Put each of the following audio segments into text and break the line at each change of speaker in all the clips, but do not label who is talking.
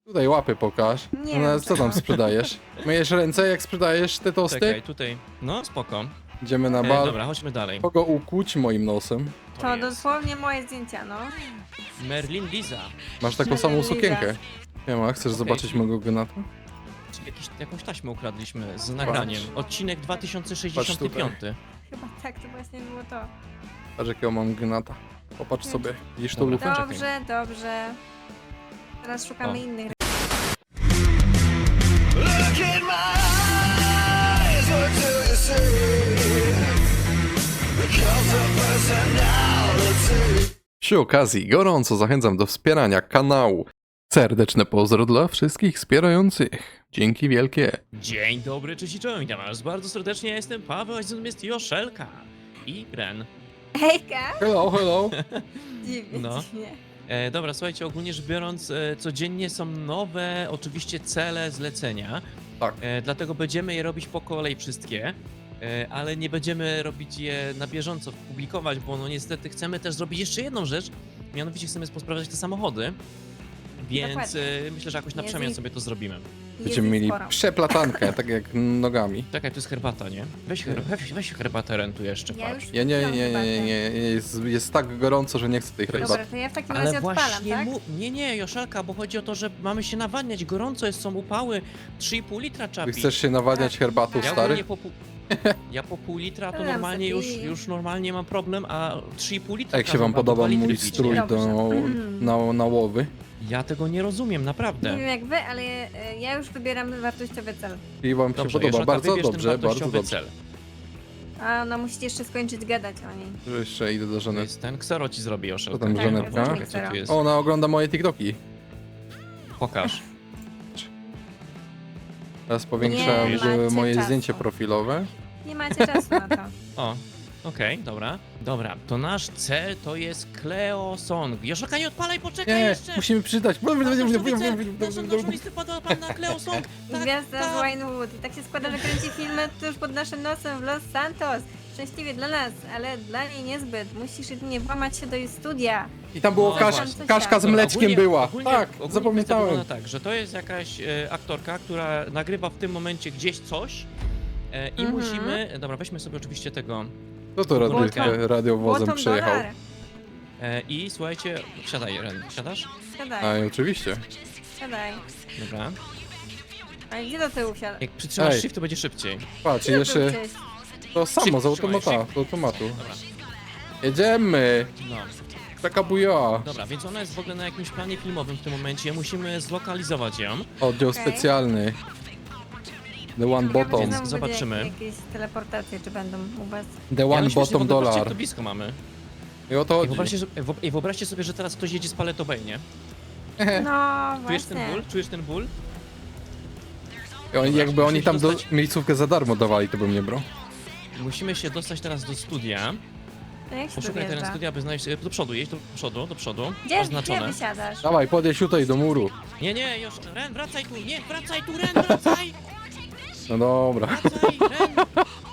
Tutaj łapy pokaż.
Nie
No,
wiem,
co tam
czego.
sprzedajesz? Myjesz ręce jak sprzedajesz te tosty?
Czekaj, tutaj. No, spoko.
Idziemy na bal.
Dobra, chodźmy dalej.
Kogo ukuć moim nosem?
To
jest
dosłownie moje zdjęcia, no.
Merlin Liza.
Masz taką samą
Liza.
sukienkę. Nie ma, chcesz
Okej.
zobaczyć mojego gnata?
Jakąś taśmę ukradliśmy z nagraniem. Odcinek 2065.
Chyba tak, to właśnie było to.
Patrz jakiego mam gnata. Popatrz sobie. Widzisz tą
Dobra.
lufę?
Dobrze, dobrze. Teraz szukamy
O.
innych.
Look in my eyes, what do you see? The cult of personality.
Przy okazji gorąco zachęcam do wspierania kanału. Serdeczne pozdro dla wszystkich wspierających. Dzięki wielkie.
Dzień dobry, cześć i czołem, witam was bardzo serdecznie, ja jestem Paweł, a ze mną jest Joszelka i Ren.
Hejka!
Hello, hello.
Dziwnie,
No.
dziwnie.
Dobra, słuchajcie, ogólnie rzecz biorąc, codziennie są nowe, oczywiście cele, zlecenia.
Tak.
Dlatego będziemy je robić po kolei wszystkie, ale nie będziemy robić je na bieżąco, publikować, bo no niestety chcemy też zrobić jeszcze jedną rzecz, mianowicie chcemy posprawdzać te samochody, więc
Dokładnie.
myślę, że jakoś na
Jest
przemian
ich-
sobie to zrobimy.
Będziemy mieli
sporo.
przeplatankę, tak jak nogami.
Czekaj, tu jest herbata, nie? Weź herbatę Ren tu jeszcze,
Ja
patrz.
już
Ja nie,
piłam herbatę.
jest tak gorąco, że nie chcę tej herbaty.
Dobra, to ja w takim
Ale
razie odpalam,
właśnie
tak?
Nie, Joszelka, bo chodzi o to, że mamy się nawadniać, gorąco jest, są upały, 3,5 litra trzeba
Ty
pić.
chcesz się nawadniać
Tak.
herbatą,
Ja
Ja
stary?
ogólnie ja po pół litra to
Dam
normalnie
sobie.
już normalnie mam problem, a 3,5 litra
A jak się
każą
wam
chyba
podoba
2 litry
mój
pić,
strój
nie?
Dobrze.
na łowy?
Ja tego nie rozumiem,
Nie
naprawdę.
wiem jak wy, ale ja już wybieram wartościowy cel.
I wam się
Dobrze,
podoba,
Joszelka,
bardzo
wybierz ten
dobrze, bardzo
wartościowy
dobrze.
cel.
A no musicie jeszcze skończyć gadać o niej.
Że jeszcze idę do
To
żony.
jest ten ksero ci zrobi, Joszelka.
Co tam,
Tak,
Żanetka?
zrobi
Co tu jest?
Ona ogląda moje TikToki.
Pokaż.
Teraz powiększam
Nie macie
moje
czasu.
zdjęcie profilowe.
Nie macie czasu na to.
O, okej, dobra. Dobra, to nasz cel to jest Cleo Song. Joszelka, nie odpalaj, poczekaj
Nie,
jeszcze!
musimy przeczytać.
Naszą listy pada pan na Cleo Song. Tak,
Gwiazda z
tak.
Winewood. I tak się składa, że kręci filmy tuż pod naszym nosem w Los Santos. Szczęśliwie dla nas, ale dla niej niezbyt. Musisz jedynie włamać się do jej studia.
I tam było
No
właśnie.
Kaszka z
Dobra,
mleczkiem była.
ogólnie
Tak,
kwestia
zapamiętałem.
wygląda tak, że to jest jakaś aktorka, która nagrywa w tym momencie gdzieś coś i
Mhm.
musimy... Dobra, weźmy sobie oczywiście tego.
Kto to radiowozem
Bottom
przyjechał?
dollar.
I słuchajcie, wsiadaj, Ren. Wsiadasz?
Siadaj,
A, oczywiście.
siadaj.
Dobra.
A gdzie do tyłu siadaj?
Jak przytrzymasz
Ej.
shift, to będzie szybciej.
Patrz,
Gdzie do
jeszcze
tyłu cześć?
to samo, z
Trzymaj,
automata, z automatu.
Dobra.
Jedziemy!
No.
Taka buja.
Dobra, więc ona jest w ogóle na jakimś planie filmowym w tym momencie. Musimy zlokalizować ją.
Oddział
Okej.
specjalny. The one
Ciekawe, czy
bottom.
Więc
znowu
zobaczymy.
będzie Jakieś teleportacje, czy będą u was?
The
Ja
one
myślę, że
bottom
w ogóle patrzcie, jak
dollar.
to blisko mamy.
I o to
I
chodzi.
wyobraźcie sobie, że teraz ktoś jedzie z paletobej, nie?
No
Czujesz ten
właśnie.
ból? Czujesz ten ból?
I oni,
Dobra,
jakby oni
musimy
tam
dostać-
miejscówkę za darmo dawali, to bym nie brał.
Musimy się dostać teraz do studia.
To jak się tu
Poszukaj teren
wjeżdża?
studia, aby znaleźć... Do przodu, jedź do przodu.
Gdzie
Oznaczone.
wysiadasz?
Dawaj, podjedź tutaj do muru.
Nie, już, Ren, wracaj tu, nie, wracaj tu, Ren, wracaj!
No dobra.
Wracaj, Ren!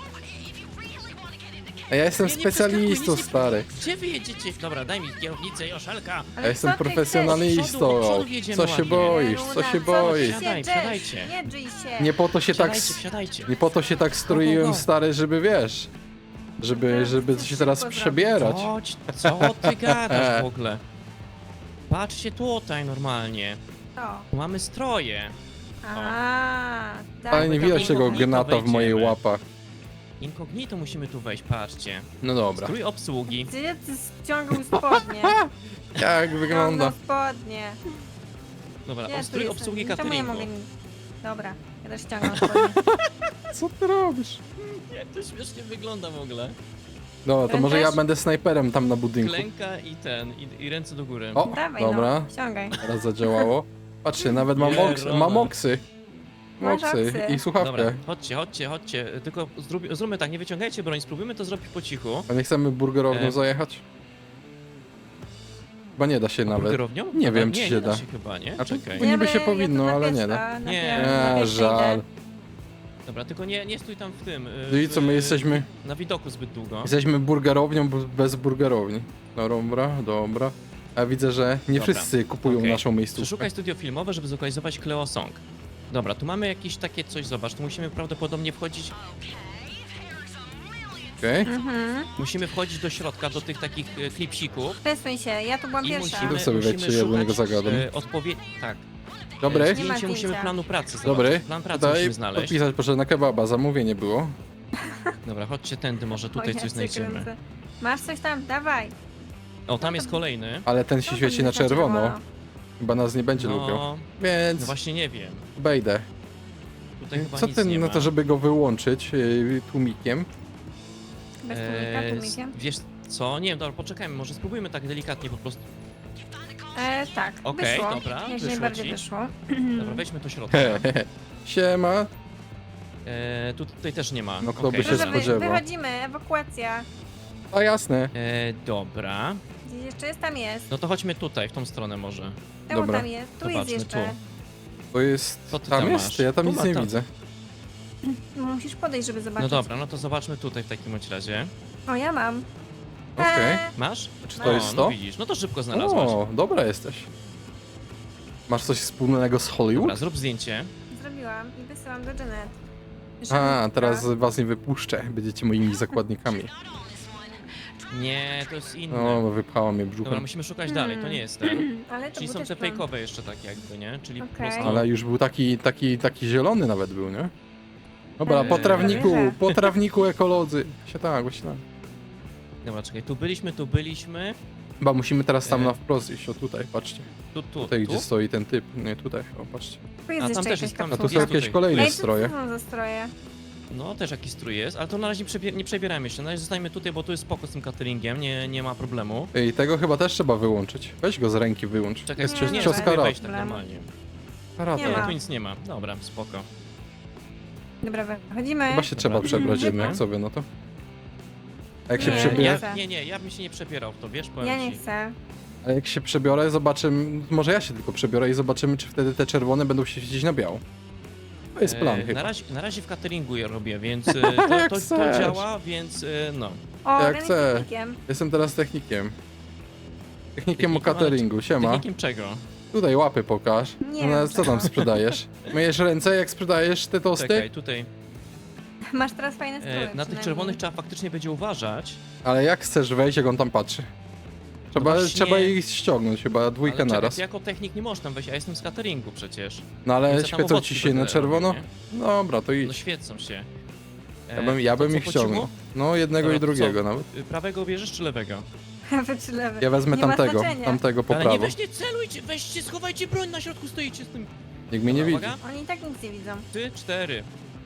A ja jestem
Nie, nie
specjalistą,
przeskakuj, nie-
stary.
Gdzie wy jedziecie? Dobra, daj mi kierownicę, Joszelka.
Ale
Ja jestem
co ty
profesjonalistą.
Do przodu jedziemy
Co się
ładnie.
boisz?
chcesz?
Co się
Luna,
boisz?
ty
Wsiadaj,
się drzesz?
wsiadajcie.
Nie drzyj się.
Nie po to się tak...
Wsiadajcie.
Nie po to się tak stroiłem,
go.
stary, żeby wiesz... Żeby się teraz
Szybko
przebierać.
Chodź, co ty gadasz w ogóle? Patrzcie tutaj normalnie.
To.
Tu mamy stroje.
A, tak.
Ale nie
tam
widać tego
inkognito
gnata w mojej
wejdziemy.
łapach.
Inkognito musimy tu wejść, patrzcie.
No dobra.
Strój obsługi.
Gdzie ty ściągał spodnie?
Jak wygląda?
Ściągnął spodnie.
Dobra,
Gdzie tu
strój
jestem?
obsługi
Czemu ja
cateringu.
mogę... Dobra, ja też ściągam spodnie.
Co ty robisz?
Jak to śmiesznie wygląda w ogóle.
No, to
Ten
może ja
też?
będę snajperem tam na budynku.
Klęka i ręce do góry.
O,
Dawaj
dobra.
no, ściągaj.
Teraz zadziałało. Patrzcie, nawet mam
Pierona.
mam oksy.
Masz
Moksy
oksy.
i słuchawkę.
Dobra, chodźcie. Tylko zróbmy tak, nie wyciągajcie broń, spróbujmy to zrobić po cichu.
A nie chcemy burgerownią zajechać? Chyba nie da się nawet.
Burgerownią?
Nie
Dobra,
wiem, czy
nie,
się
nie
da.
się chyba, nie?
A to-
Czekaj.
Bo niby
Ja
się
to
powinno,
na
ale
pies-
nie da.
a, na
Nie.
pies- na pies
Żal.
idę.
Dobra, tylko nie stój tam w tym.
No i co, my jesteśmy...
Na widoku zbyt długo.
Jesteśmy burgerownią bez burgerowni. Dobra. A widzę, że nie
Dobra.
wszyscy kupują
Okej.
naszą miejscówkę.
Przeszukaj studio filmowe, żeby zlokalizować Cleo Song. Dobra, tu mamy jakieś takie coś, zobacz, tu musimy prawdopodobnie wchodzić,
Okej.
musimy wchodzić do środka, do tych takich klipsików
Przesuń się, ja tu byłam
i
pierwsza.
musimy,
sobie wejdźcie, ja do niego zagadam.
Tak.
Dobry.
Nie ma
Zdjęcie musimy
zdjęcia.
planu pracy zobaczyć.
Dobry.
Plan pracy
Tutaj
musimy znaleźć.
podpisać proszę na kebaba, zamówienie było.
Dobra, chodźcie tędy, może tutaj
O, ja
coś
cię
znajdziemy.
kręcę. Masz coś tam? Dawaj.
O, tam jest kolejny.
Ale ten się
Co
świeci
tam
na
jest
czerwono. Chyba nas nie będzie lubił.
No
Więc
właśnie nie wiem.
wejdę.
Tutaj chyba
Co
nic
ten
nie
na
ma.
to, żeby go wyłączyć tłumikiem?
Bez tłumikiem.
Wiesz co? Nie wiem, dobra, poczekajmy, może spróbujmy tak delikatnie po prostu.
Tak,
Okej,
wyszło.
dobra,
Jak
wyszło
najbardziej
ci.
wyszło.
Dobra, weźmy do środka.
Siema.
Tutaj też nie ma.
No, kto by
Okej.
się
Dobrze,
spodziewał.
wychodzimy, ewakuacja.
A jasne.
Dobra.
Gdzieś jeszcze jest? Tam jest.
No to chodźmy tutaj, w tą stronę może.
Czemu
Dobra.
tam jest? Tu jest
Zobaczmy,
jeszcze.
To jest...
Co ty
tam
tam
jest?
masz?
Ja tam
Tu
nic
ma
nie
tam.
widzę.
Musisz podejść, żeby zobaczyć.
No dobra, no to zobaczmy tutaj w takim bądź razie.
O, ja mam.
Okej.
Masz?
Czy
No.
to jest
No
to?
widzisz, no to szybko znalazłaś.
O, dobra jesteś. Masz coś wspólnego z
Dobra,
Hollywood?
zrób zdjęcie.
Zrobiłam i wysyłam do Janet.
A, teraz was nie wypuszczę. Będziecie moimi zakładnikami.
Nie, to jest inny.
O, wypchała mnie
Dobra,
brzuchem.
musimy szukać dalej, to nie jest ten.
Ale to
Czyli
był
są
też
te
plan.
fejkowe jeszcze takie jakby, nie? Czyli po
Okej.
prostu...
Ale już był taki zielony nawet był, nie? Dobra,
Eee.
po trawniku,
Wierzę.
po trawniku ekolodzy. Się tak, właśnie tak.
Dobra, czekaj, tu byliśmy.
Chyba musimy teraz tam
Eee.
na wprost iść, o tutaj, patrzcie.
Tu,
Tutaj,
tu.
gdzie stoi ten typ. Nie, tutaj, o, patrzcie.
Tu jest
A, tam
jeszcze
też
jakaś
jest, tam-
A
kapsuła.
tu są
Jest
jakieś
tutaj.
kolejne
Ej, co
stroje.
to są za stroje?
No, też jakiś strój jest, ale to na razie nie przebieramy się. Na razie zostańmy tutaj, bo tu jest spoko z tym cateringiem, nie ma problemu.
Ej, tego chyba też trzeba wyłączyć. Weź go z ręki wyłącz.
Czekaj,
Jest
nie,
cios,
nie,
cios
nie.
karate.
wejść tak
Problemu.
normalnie.
Karate.
Nie
Nie,
ma.
tu nic nie ma. Dobra, spoko.
Dobra, wychodzimy.
Chyba się trzeba
Dobra.
przebrać jednak,
Mhm.
co wy, no to? A jak się
Nie,
przebiorę,
nie.
Ja bym się nie przebierał w to, wiesz, powiem
Ja nie
ci.
chcę.
a jak się przebiorę, zobaczymy, może ja się tylko przebiorę i zobaczymy, czy wtedy te czerwone będą się świecić na biało. To jest plan chyba.
Na razie w cateringu je robię, więc
Jak
to
chcesz.
działa, więc no.
O,
Jak
Ren jest
chcę.
technikiem.
Jestem teraz technikiem. Technikiem o
Technikiem, ale
cateringu, siema.
Technikiem czego?
Tutaj łapy pokaż.
Nie
No,
wiem,
co tam sprzedajesz? Myjesz ręce, jak sprzedajesz te tosty?
Czekaj, tutaj.
Masz teraz fajne stroje.
Na tych
przynajmniej.
czerwonych trzeba faktycznie będzie uważać.
Ale jak chcesz wejść, jak on tam patrzy? Trzeba,
No właśnie.
trzeba ich ściągnąć chyba, dwójkę
Ale czekaj,
naraz.
ty jako technik nie możesz tam wejść, a jestem z cateringu przecież.
No ale
Więc ja tam
świecą
owocki
ci się na
będę
czerwono?
robił,
Dobra, to
No
idź.
świecą się.
Ja bym
to
ich
co, po
ściągnął.
cichu?
No, jednego
Dobra,
i
to
drugiego
co?
nawet.
Prawego bierzesz czy lewego?
Prawy czy lewy?
Ja wezmę
Nie ma
tamtego,
znaczenia.
tamtego po
Ale nie
prawo.
weźcie, celujcie, weźcie, schowajcie broń, na środku stoicie z tym.
Nikt mnie nie widzi.
Uwaga,
Oni i tak nic nie widzą.
3, 4.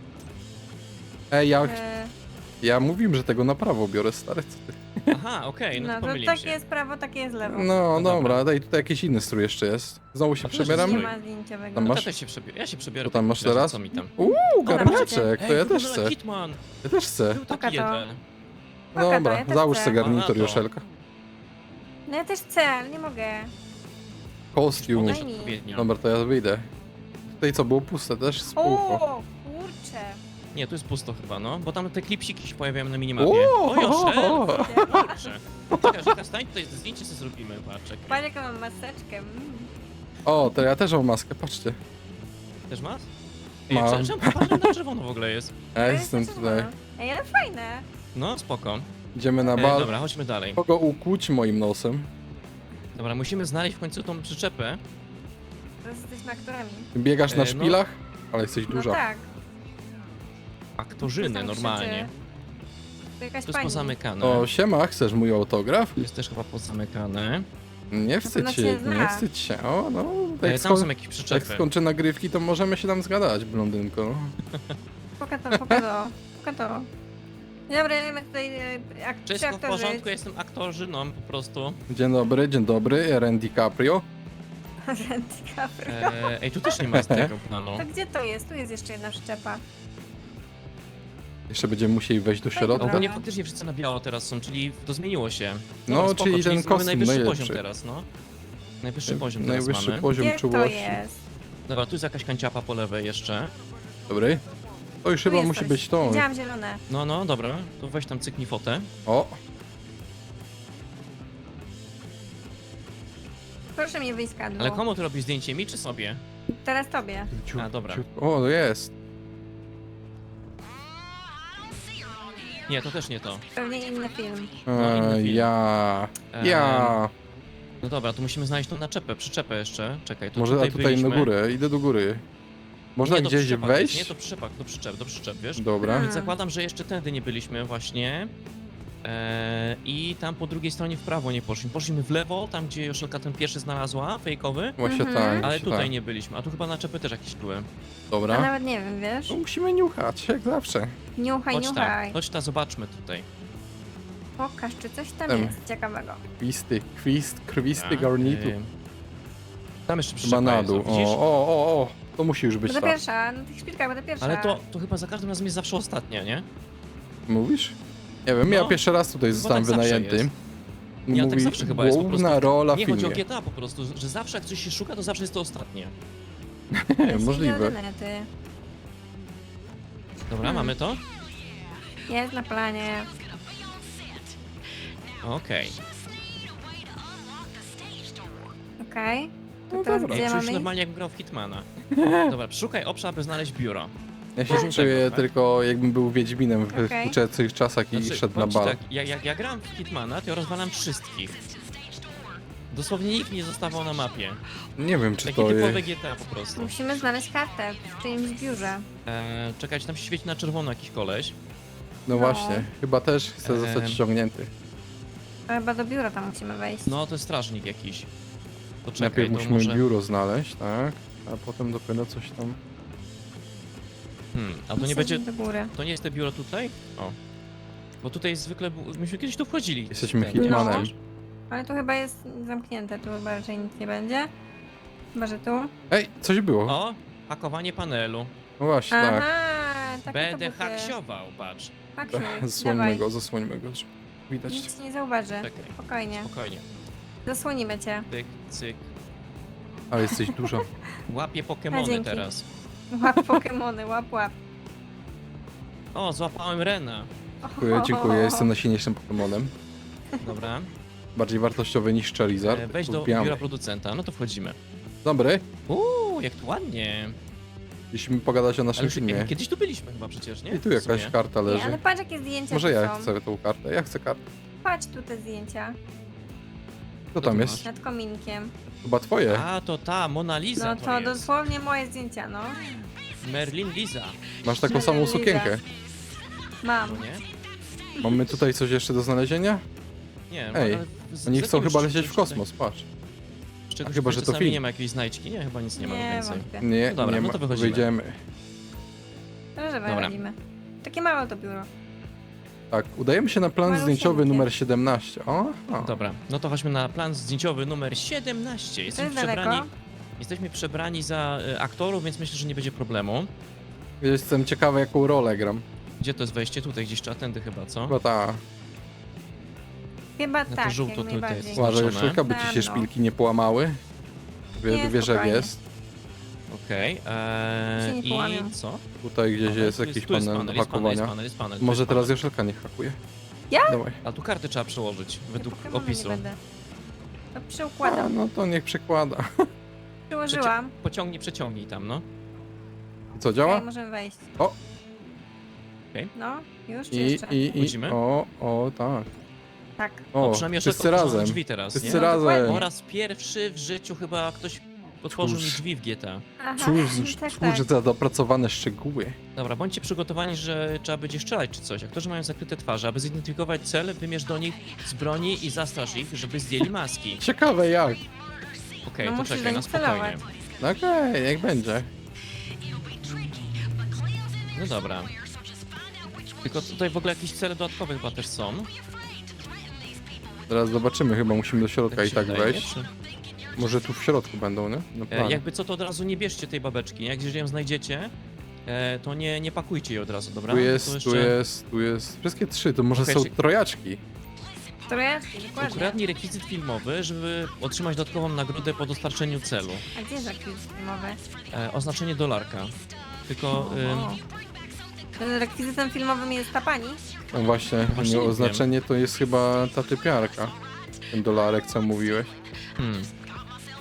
Ej,
E,
ja mówiłem, że tego na prawo biorę, stary, co ty?
Aha, okej, no
no
to
to
pomyliłem
takie
się.
jest prawo, takie jest lewo.
No,
No
dobra, daj, tutaj jakiś inny strój jeszcze jest. Znowu się
A to też
przebieramy?
Nie
strój.
ma zdjęciowego.
Tam
No
masz?
to też się przebiorę. Ja się przebiorę.
Co tam masz
Wiesz,
teraz?
Co mi tam?
Garneczek, to ja też
wygląda
chcę.
Hitman.
Ja też chcę.
Był
Pokaż
taki
to.
jeden.
Pokaż to,
Dobra,
ja też
załóż
chcę.
sobie garnitur,
A, na to.
Joszelka.
No ja też chcę, ale nie mogę.
Kostium.
Podejść
Daj mi.
odpowiednio.
Dobra, to ja wyjdę. Tutaj co, było puste też? Spółko.
O, kurczę.
Nie, tu jest pusto chyba, no. Bo tam te klipsiki się pojawiają na minimapie.
O!
O, Joszel! Kurczę. Czekaj, czekaj, stań tutaj, zdjęcie sobie zrobimy, patrzek.
Patrz jaką mam maseczkę.
O, to ja też mam maskę, patrzcie.
Też masz?
Mam.
Czemu popatrzę na czerwono w ogóle jest?
Ja
To
jestem
jest
tutaj.
czerwono. Ej, ale fajne.
No, spoko.
Idziemy na bal.
Dobra, chodźmy dalej.
Kogo ukłuć moim nosem?
Dobra, musimy znaleźć w końcu tą przyczepę.
Teraz jesteśmy aktorami.
Biegasz na
No.
szpilach? Ale jesteś
No
duża.
tak.
Aktorzyny
Tam
normalnie.
krzyczy. To jakaś
To jest
pani.
pozamykane.
O, siema, chcesz mój autograf?
Tu jest też chyba pozamykane.
Nie wstydź
pewno
się,
cię
nie
zna.
wstydź się. O, no, jak,
Tam są jakieś
jak
przyczepy.
skończę nagrywki, to możemy się tam zgadać, blondynko.
Poka to, poka to. Poka to. Dzień dobry, my tutaj
Wszystko w
aktorzy.
porządku, jestem aktorzyną po prostu.
Dzień dobry, Ren DiCaprio.
DiCaprio.
Ej, tu też nie ma z tego planu.
To gdzie to jest? Tu jest jeszcze jedna przyczepa.
Jeszcze będziemy musieli wejść do środka.
Dobra.
Ogólnie faktycznie wszyscy na biało teraz są, czyli to zmieniło się.
No,
Dobra, spoko,
czyli ten
mamy
kostium
najwyższy
najlepszy.
poziom teraz, no. Najwyższy poziom teraz
Najwyższy
mamy.
poziom
Gdzie to
czułości.
jest?
Dobra, tu jest jakaś kanciapa po lewej jeszcze.
Dobry. To już
Tu
chyba
jest
musi
coś.
być to.
Widziałam zielone.
No, dobra, to weź tam cyknij fotę.
O,
Proszę mnie wyjść z kadru.
Ale komu ty robisz zdjęcie? Mi czy sobie?
Teraz tobie.
A, dobra.
O, to jest.
Nie, to też nie to.
Pewnie inny film.
No, inny film.
Ja.
Eee, No dobra, to musimy znaleźć tą naczepę, przyczepę jeszcze. Czekaj, to
Może
tutaj
tutaj
byliśmy.
na górę, idę do góry. Można
Nie, to
gdzieś
przyczepa
wejść?
jest, Nie, to przyczep, do przyczep, wiesz?
Dobra.
Więc zakładam, że jeszcze tędy nie byliśmy właśnie. I tam po drugiej stronie w prawo nie poszliśmy. Poszliśmy w lewo, tam gdzie Joszelka ten pierwszy znalazła, fejkowy.
Właśnie
Mhm.
tak.
Ale
właśnie
tutaj
tak.
nie byliśmy, a tu chyba naczepy też jakieś były.
Ja
Dobra.
nawet nie wiem, wiesz?
No, musimy niuchać, jak zawsze.
Niuchaj, niuchaj.
Chodź ta, zobaczmy tutaj.
Pokaż, czy coś tam
Em.
jest ciekawego.
Krwisty
Dobra,
garnitur.
Tam jeszcze
Chyba
przyczepa
na
jest,
dół.
widzisz?
O. To musi już być
Będę
tak.
pierwsza, na tych szpilkach będę pierwsza.
Ale to chyba za każdym razem jest zawsze ostatnia, nie?
Mówisz? Nie wiem, ja
No.
pierwszy raz tutaj zostałem
tak zawsze
wynajęty.
jest. Nie, ale tak zawsze chyba jest po
główna
prostu.
rola w
Nie chodzi o
filmie.
GTA po prostu, że zawsze jak coś się szuka, to zawsze jest to ostatnie.
Nie, możliwe.
Dobra, mamy to?
Jest na planie.
Okej.
Okej. To
No
teraz
dobra.
gdzie
Czuję
mamy
się
iść?
normalnie jak grał w Hitmana. Dobra, szukaj obszar, aby znaleźć biuro.
Ja się
Porządek,
czuję
tak?
tylko jakbym był Wiedźminem w
Okej.
współczesnych czasach i
Znaczy,
szedł na
powiem ci
bal.
tak, jak ja gram w Hitmana, to ja rozwalam wszystkich. Dosłownie nikt nie zostawał na mapie.
Nie wiem, czy
Takie
to
typowe
jest...
GTA po prostu.
Musimy znaleźć kartę w czyimś biurze.
Czekać, tam się świeci na czerwono jakiś koleś.
No właśnie, chyba też chcę zostać
Em.
ściągnięty.
Chyba do biura tam musimy wejść.
No, to jest strażnik jakiś. To czekaj,
Najpierw
to
musimy
może...
biuro znaleźć, tak? A potem dopiero coś tam...
A to nie będzie...
do góry.
To nie jest to biuro tutaj? O. Bo tutaj zwykle... Myśmy kiedyś tu wchodzili.
Jesteśmy
Ten,
Hitmanem.
wiesz?
Ale tu chyba jest zamknięte, tu chyba raczej nic nie będzie. Chyba, że tu.
Ej, coś było.
O, hakowanie panelu.
No właśnie,
Aha,
tak.
takie
Będę
to buty.
haksiował, patrz.
Haksiuj,
Zasłońmy
dawaj.
go, zasłońmy go. żeby Widać.
Nic ci nie zauważy.
Czekaj,
Spokojnie.
spokojnie.
Zasłonimy cię.
Tyk, cyk.
Ale jesteś dużo.
Łapię
A,
Pokemony
dzięki.
teraz.
Łap Pokemony, łap, łap.
O, złapałem Rena.
Dziękuję, jestem najsilniejszym Pokemonem.
Dobra.
Bardziej wartościowy niż Charizard.
Wejdź do
Lubiamy.
biura producenta, no to wchodzimy.
Dobry,
Jak tu ładnie.
musimy pogadać o naszym
Ale
filmie.
kiedyś tu byliśmy chyba przecież, nie?
I tu
W
jakaś
sumie.
karta
Nie,
leży.
ale patrz jakie zdjęcia
Może
tu
ja
są.
chcę tą kartę. Ja chcę kartę.
Patrz tu te zdjęcia.
Co
tu
tam
masz?
jest?
Nad kominkiem.
Chyba twoje.
A, to ta, Mona Lisa
No to
jest.
dosłownie moje zdjęcia, no.
Merlin Lisa,
Masz taką samą
Liza.
sukienkę.
Mam.
no nie?
Mamy tutaj coś jeszcze do znalezienia?
Nie,
Ej,
ale
Oni
z
chcą
jakiegoś
chyba lecieć w
czegoś
kosmos, patrz.
Z czegoś
chyba,
tutaj
że to
czasami
film.
nie ma jakiejś znajdźki, nie? Chyba nic nie ma
Nie,
więcej.
wątpię.
Nie,
No dobra,
nie
no
ma.
to wychodzimy.
Wyjdziemy.
Dobrze,
Dobra.
wychodzimy. Takie małe to biuro.
Tak, udajemy się na plan
Malusieńkie.
zdjęciowy numer 17. O.
Dobra, no to chodźmy na plan zdjęciowy numer 17.
To jest daleko.
Jesteśmy przebrani za aktorów, więc myślę, że nie będzie problemu.
Jestem ciekawy, jaką rolę gram.
Gdzie to jest wejście? Tutaj gdzieś trzeba tędy chyba, co?
Chyba ta.
Chyba
to
tak,
żółto
jak
tutaj
najbardziej.
jest.
Uważaj,
Zobaczone.
Joszelka, by ci się
No.
szpilki nie połamały.
Nie,
Wiesz, jak
spokojnie.
jest.
Okej,
Się nie
i
połamią.
co?
Tutaj gdzieś
Dobra,
jest
tu
jakiś
tu jest
panel do
jest
hakowania.
jest panel,
Może
jest
teraz
panel.
Joszelka nie hakuje.
Ja?
Dawaj.
A tu karty trzeba przełożyć według
Pokemony
opisu.
Nie będę. To
A,
przyukładam.
no to niech przekłada.
Przyłożyłam.
Pociągnij, przeciągnij tam, no.
I co,
Okej,
działa?
możemy wejść.
O!
Okej.
No, już czy
I,
jeszcze?
i, i,
Wchodzimy?
o, tak.
Tak.
O,
przynajmniej
wszyscy
Joszelka otworzyła
razem.
drzwi teraz,
Wszyscy
nie?
No, dokładnie.
razem.
Po raz pierwszy w życiu chyba ktoś otworzył mi
Cóż.
drzwi w GTA.
Aha,
Cóż,
tak,
cóż
tak.
za dopracowane szczegóły.
Dobra, bądźcie przygotowani, że trzeba będzie strzelać czy coś. Aktorzy mają zakryte twarze. Aby zidentyfikować cel, wymierz do nich z broni i zastrasz ich, żeby zdjęli maski.
Ciekawe jak.
Okej,
No
to
musisz
czekaj, na
zainstalować.
spokojnie.
No okej, jak będzie.
No dobra. Tylko tutaj w ogóle jakieś cele dodatkowe chyba też są.
Zaraz zobaczymy, chyba musimy do środka i
się
tak
wydaje,
wejść.
czy-
Może tu w środku będą, nie? No plan.
Jakby co, to od razu nie bierzcie tej babeczki. Jak jeżeli ją znajdziecie, to nie pakujcie jej od razu, dobra?
Tu
To
jest,
jeszcze
tu jest, tu jest. Wszystkie trzy, to może
Okej,
są
czy-
trojaczki.
Trojaczki, dokładnie.
Ukradnij rekwizyt filmowy, żeby otrzymać dodatkową nagrodę po dostarczeniu celu.
A gdzie jest rekwizyt filmowy?
Oznaczenie dolarka. Tylko...
O. Ten rekwizytem filmowym jest ta pani?
No właśnie,
Właśnie nie
oznaczenie to jest chyba ta typiarka. Ten dolarek, co mówiłeś.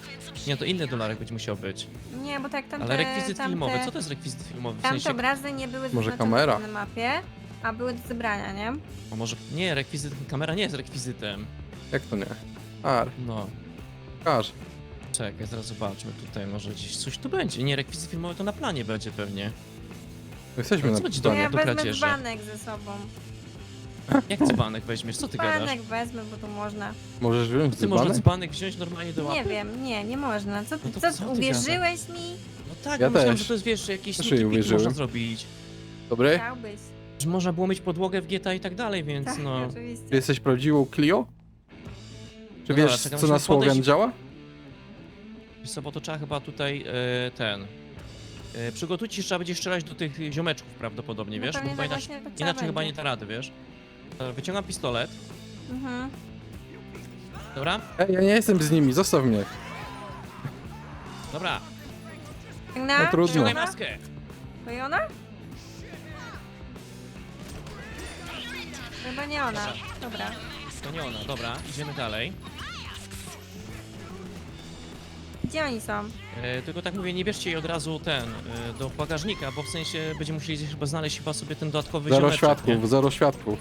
Nie, to inny dolarek będzie musiał być.
Nie, bo tak tamte...
Ale rekwizyt
tamte,
filmowy, co to jest rekwizyt filmowy? W
Tamte
sensie,
obrazy nie były
Może
zaznaczone
kamera?
na mapie, a były do zebrania, nie?
a może, nie, rekwizyt, kamera nie jest rekwizytem.
Jak to nie? Ar,
No,
każ.
czekaj, zaraz zobaczmy tutaj, może gdzieś coś tu będzie. Nie, rekwizyt filmowy to na planie będzie pewnie.
Jesteśmy
No
na
co będzie
To
do
ja
do
wezmę
kradzieży.
dzbanek ze sobą.
Jak dzbanek weźmiesz, co ty gadasz?
Dzbanek wezmę, bo tu można.
Możesz wziąć
Ty można
dzbanek?
dzbanek wziąć normalnie do łapy?
Nie wiem, nie można. Co,
No to
co,
co ty
uwierzyłeś mi?
No tak,
Ja
ja myślałem,
też.
że to jest, wiesz, jakieś
Też
sneaky
jej
peek
uwierzyłem.
można zrobić.
Dobry?
Chciałbyś.
Że można było mieć podłogę w GTA i tak dalej, więc
Tak,
no...
oczywiście.
Ty jesteś prawdziwą Clio? Czy
No
wiesz,
dobra, czekam,
co na
musimy
Słowian
podejść-
działa?
Wiesz co, bo to trzeba chyba tutaj przygotujcie się, trzeba będzie strzelać do tych ziomeczków prawdopodobnie,
No
wiesz?
pewnie
Bo
tak
inaczej,
właśnie to trzeba
inaczej chyba
będzie.
nie da rady, wiesz? Dobra, wyciągam pistolet,
Mhm.
dobra?
Ej, ja nie jestem z nimi, zostaw mnie.
Dobra,
Piękna?
No trudno.
ściągaj
Ona?
maskę!
To i ona? Chyba nie ona. Dobra.
To nie ona, dobra, idziemy dalej.
Gdzie oni są?
Tylko tak mówię, nie bierzcie jej od razu do bagażnika, bo w sensie będziemy musieli chyba znaleźć chyba sobie ten dodatkowy
Zero
ziomeczek,
świadków,
nie?
zero świadków.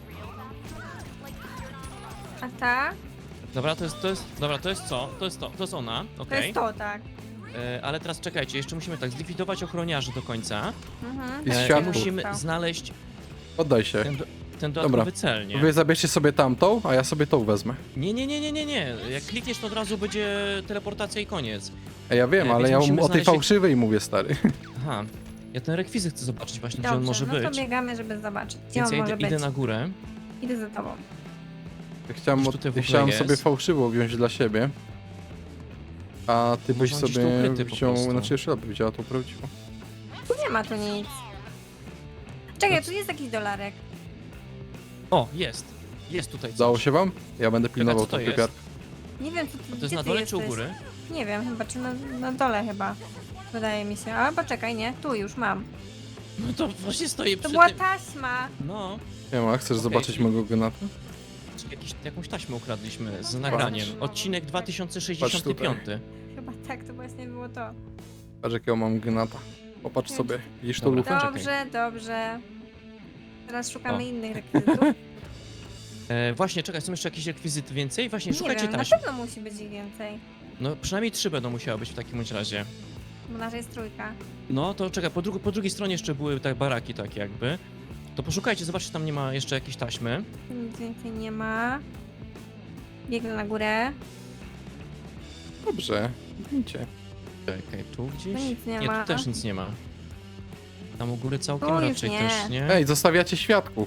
A ta?
Dobra, to jest co? To jest ona,
To
okej.
jest to, tak.
Ale teraz czekajcie, jeszcze musimy tak zlikwidować ochroniarzy do końca.
Mhm.
I z
I
światłów.
musimy
Stał.
znaleźć
Oddaj się.
ten dodatkowy cel, nie?
Wy zabierzcie sobie tamtą, a ja sobie tą wezmę.
Nie. Jak klikniesz, to od razu będzie teleportacja i koniec.
Ej, ja wiem,
Więc
ale ja
musimy
o tej
znaleźć-
fałszywej mówię, stary.
Aha. Ja ten rekwizyt chcę zobaczyć właśnie, gdzie on
Dobrze,
może
no to
być.
biegamy, żeby zobaczyć, gdzie
Więc
on
ja
może
idę
być.
na górę.
Idę za tobą.
Ja chciałem,
Gdzieś tutaj w ogóle
chciałem
jest.
sobie fałszywą wziąć dla siebie. A ty byś
Może on gdzieś tu
sobie
ukryty po
wziął,
prostu.
znaczy jeszcze raz by wzięła tą prawdziwą.
Tu nie ma tu nic. Czekaj, tu jest jakiś dolarek.
O, jest. Jest tutaj
Udało
coś.
się wam? Ja będę pilnował
co to
tą
jest?
typiarkę.
Nie wiem, co ty,
A to
gdzie
jest na
ty
dole czy u
jesteś?
góry?
Nie wiem, chyba, czy na dole chyba. Wydaje mi się. A, poczekaj, nie, tu już mam.
No to właśnie stoję
To
przy
była
tym.
taśma.
No.
Nie ma, chcesz
Okej,
zobaczyć
czyli-
mojego gnata?
Jakąś taśmę ukradliśmy z nagraniem. Odcinek 2065.
Chyba tak, to właśnie było to.
Patrz jakiego mam gnata. Popatrz sobie, widzisz tą
Dobra.
lufę?
Dobrze, dobrze. Teraz szukamy
O.
innych rekwizytów.
Właśnie, czekaj, są jeszcze jakieś rekwizyty więcej? Właśnie,
Nie
szukajcie
wiem, na
taśm.
pewno musi być ich więcej.
No przynajmniej 3 będą musiały być w takim bądź razie.
Bo nasza jest trójka.
No to czekaj, po drugiej stronie jeszcze były tak baraki takie jakby. To poszukajcie, zobaczcie, czy tam nie ma jeszcze jakiejś taśmy.
Tu nic więcej nie ma. Biegnę na górę.
Dobrze, idźcie.
Czekaj, tu gdzieś?
Tu nic nie
Nie,
ma.
tu też nic nie ma. Tam u góry całkiem
Tu już
raczej
nie.
też nie.
Ej, zostawiacie świadków.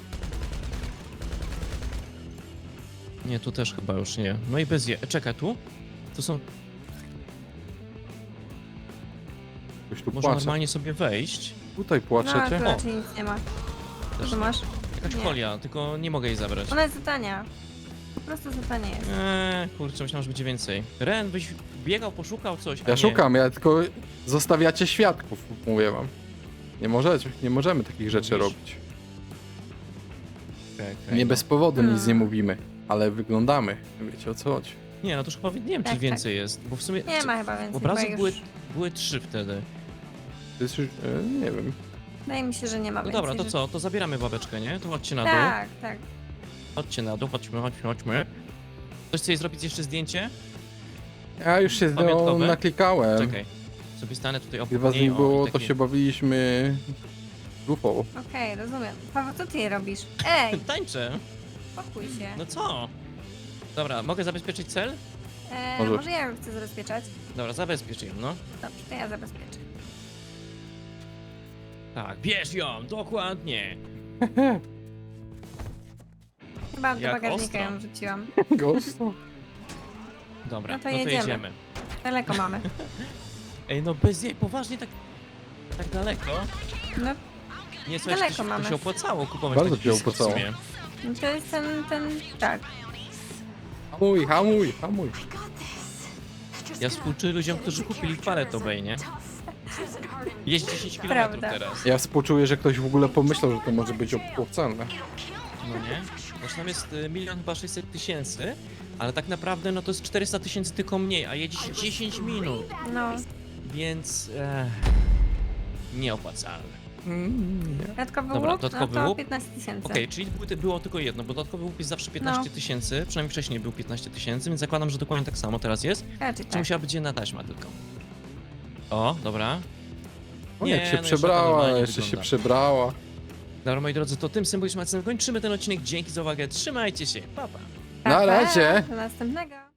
Nie, tu też chyba już nie. No i bez je. Czekaj, tu? Tu są.
Ktoś tu
Można
płacze.
normalnie sobie wejść.
Tutaj
No,
płaczecie?
tu raczej nic nie ma.
Też
Tu masz?
jakaś
nie.
folia, tylko nie mogę jej zabrać.
Ona jest za tania. Po prostu za tania jest.
Kurczę, myślałem, że będzie więcej. Ren, byś biegał, poszukał coś. a
Ja
nie.
szukam, ja tylko zostawiacie świadków, mówię wam. Nie możemy takich rzeczy
Mówisz?
robić.
Czekaj,
Nie
no.
bez powodu nic nie
Hmm.
mówimy, ale wyglądamy. Wiecie o co chodzi.
Nie, no to już chyba nie wiem, czy
Tak,
więcej jest, bo w sumie
Nie ma chyba więcej.
obrazów
chyba
były,
już...
były 3 wtedy.
To jest już, nie wiem.
Wydaje mi się, że nie ma
No
więcej.
dobra, to
że-
co? To zabieramy babeczkę, nie? To chodźcie na dół.
Tak, tak.
Chodźcie na dół, chodźmy. Ktoś chce jej zrobić jeszcze zdjęcie?
Ja już się
Pamiątkowe?
naklikałem.
Czekaj. Sobie stanę tutaj
Gdy
obok
was
niej.
nie było,
o,
to
takie-
się bawiliśmy lufą.
Okej, rozumiem. Paweł, co ty robisz? Ej,
Tańczę.
spokój się.
No co? Dobra, mogę zabezpieczyć cel?
Może.
Może ja ją chcę zabezpieczać?
Dobra, zabezpiecz ją, no.
Dobrze, to ja zabezpieczę.
Tak, bierz ją, dokładnie.
Chyba do
Jak
bagażnika
ostro.
ją rzuciłam.
Gosto.
Dobra,
No to
no to
jedziemy.
jedziemy.
Daleko mamy.
Ej, no bez jej, poważnie tak daleko?
No,
Nie, słuchaj,
Daleko
to
mamy.
się opłacało kupować
Bardzo
taki
się
blisko w
opłacało.
sumie.
no to jest ten, tak.
Hamuj.
Ja współczuję ludziom, którzy kupili w Paleto Bay, nie? Jest 10 km
Prawda.
teraz.
Ja współczuję, że ktoś w ogóle pomyślał, że to może być opłacalne.
No nie? Bo tam jest 1 chyba 600 000, Ale tak naprawdę no to jest 400 000 tylko mniej, a jedziecie 10 minut,
No,
więc nieopłacalne.
Nie.
dodatkowy
Dobra,
łuk,
dodatkowy
no to
łuk.
15 000.
Okej, czyli było tylko jedno, bo dodatkowy łuk jest zawsze 15 000, przynajmniej wcześniej był 15 000, więc zakładam, że dokładnie tak samo teraz jest.
Raczej
Czy
tak.
musiała być jedna taśma tylko? O, dobra.
O,
Nie,
jak się
no
przebrała,
normalnie
jeszcze się
wygląda.
przebrała.
Dobra, moi drodzy, to tym symbolicznym akcentem kończymy ten odcinek. Dzięki za uwagę, trzymajcie się, pa pa!
Pa,
Na
pa,
razie.
Do następnego.